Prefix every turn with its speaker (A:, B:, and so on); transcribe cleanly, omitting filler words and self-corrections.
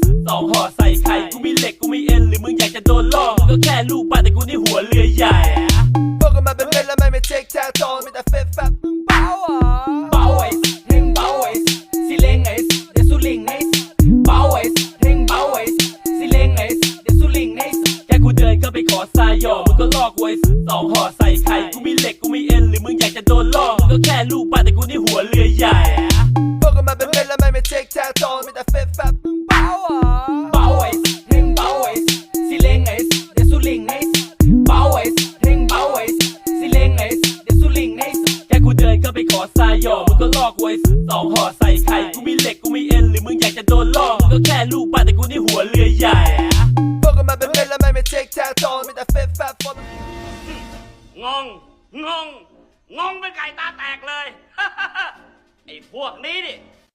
A: 2ห่อใส่ไข่กูมีเหล็กกูมีเอ็นหรือมึงอยากจะโดนล่อมึงก็แค่ลูกปลาแต่กูนี่หัวเรือใหญ่
B: พวกกันมาเป็นเม็ดแล้วไม่เช็คแท้ตอนมีแต่เฟซแฟบมึงเบา
A: เบาไอ้เฮงเบาไอ้สิเลงไอ้เดี๋ยวสุลิงไอ้เบาไอ้เฮงเบาไอ้สิเลงไอ้เดี๋ยวสุลิงไอ้แค่กูเดินเข้าไปขอทรายหยอกมึงก็ลอกกูไอ้2ห่อใส่ไข่กูมีเหล็กกูมีเอ็นหรือมึงอยากจะโดนล่อมึงก็แค่ลูกปลาแต่กูนี่หัวเรือใหญ่
B: พวกกันมาเป็นเม็ดแล้วไม่เช็คแท้ตอนมีแต่เฟซแฟบมึงเบา
A: เบาไอ้เฮงเบาไอ้สิเลงไอ้เดี๋ยวสุลิงไอ้เบาไอ้เฮงเบาไอ้สิเลงไอ้เดี๋ยวสุลิงไอ้แค่กูเดินเข้าไปขอทรายหยอกมึงก็ลอกกูไอ้2ห่อใส่ไข่กูมีเหล็กกูมีเอ็นหรือมึงอยากจะโดนล่อมึงก็แค่ลูกปลาแต่กูนี่หัวเรือใหญ่
B: พวกกันมาเป็นเม็ดแล้วไม่เช็คแท้ตอนมีแต่เฟซแฟบ
C: งงเป็นไก่ตาแตกเลย ไอ้พวกนี้ดิ